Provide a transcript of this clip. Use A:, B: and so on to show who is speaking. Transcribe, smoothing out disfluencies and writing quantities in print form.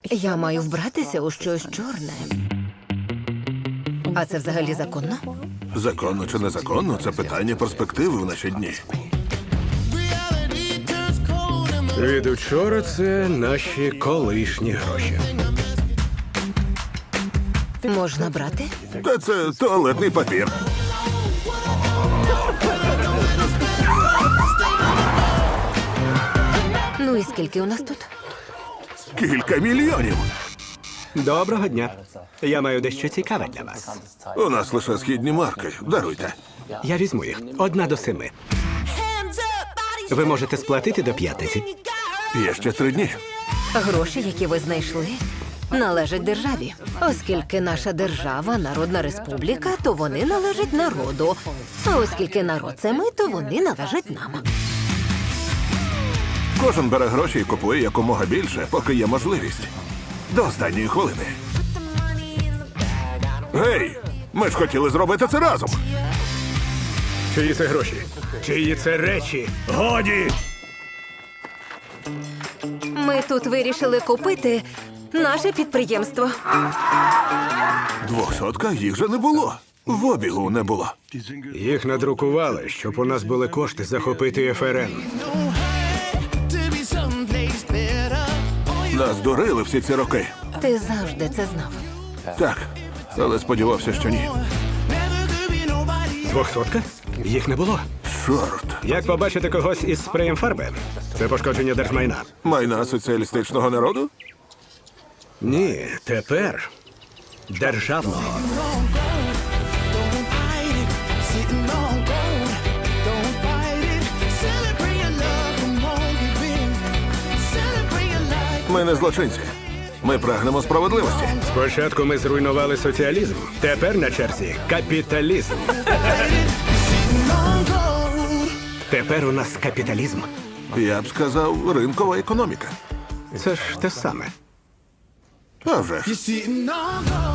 A: Я маю вбратися у щось чорне. А це взагалі законно?
B: Законно чи незаконно – це питання перспективи в наші дні.
C: Від учора це наші колишні гроші.
A: Можна брати?
B: Та це туалетний папір.
A: Ну і скільки у нас тут?
B: Кілька мільйонів.
C: Доброго дня. Я маю дещо цікаве для вас.
B: У нас лише східні марки. Даруйте.
C: Я візьму їх. 1 до 7. Ви можете сплатити до 5.
B: Є ще 3 дні.
A: Гроші, які ви знайшли, належать державі. Оскільки наша держава – народна республіка, то вони належать народу. А оскільки народ – це ми, то вони належать нам.
B: Кожен бере гроші і купує якомога більше, поки є можливість. До останньої хвилини. Гей! Ми ж хотіли зробити це разом.
C: Чиї це гроші? Чиї це речі? Годі!
A: Ми тут вирішили купити наше підприємство.
B: 200 їх же не було. В обігу не було.
C: Їх надрукували, щоб у нас були кошти захопити ФРН.
B: Нас дурили всі ці роки.
A: Ти завжди це знав.
B: Так, але сподівався, що ні.
C: 200? Їх не було.
B: Чорт.
C: Як побачити когось із спреєм фарби? Це пошкодження держмайна.
B: Майна соціалістичного народу?
C: Ні, тепер державного.
B: Ми не злочинці. Ми прагнемо справедливості.
C: Спочатку ми зруйнували соціалізм. Тепер на черзі капіталізм. Тепер у нас капіталізм.
B: Я б сказав, ринкова економіка.
C: Це ж те саме.
B: А вже ж.
D: Sitting on gold.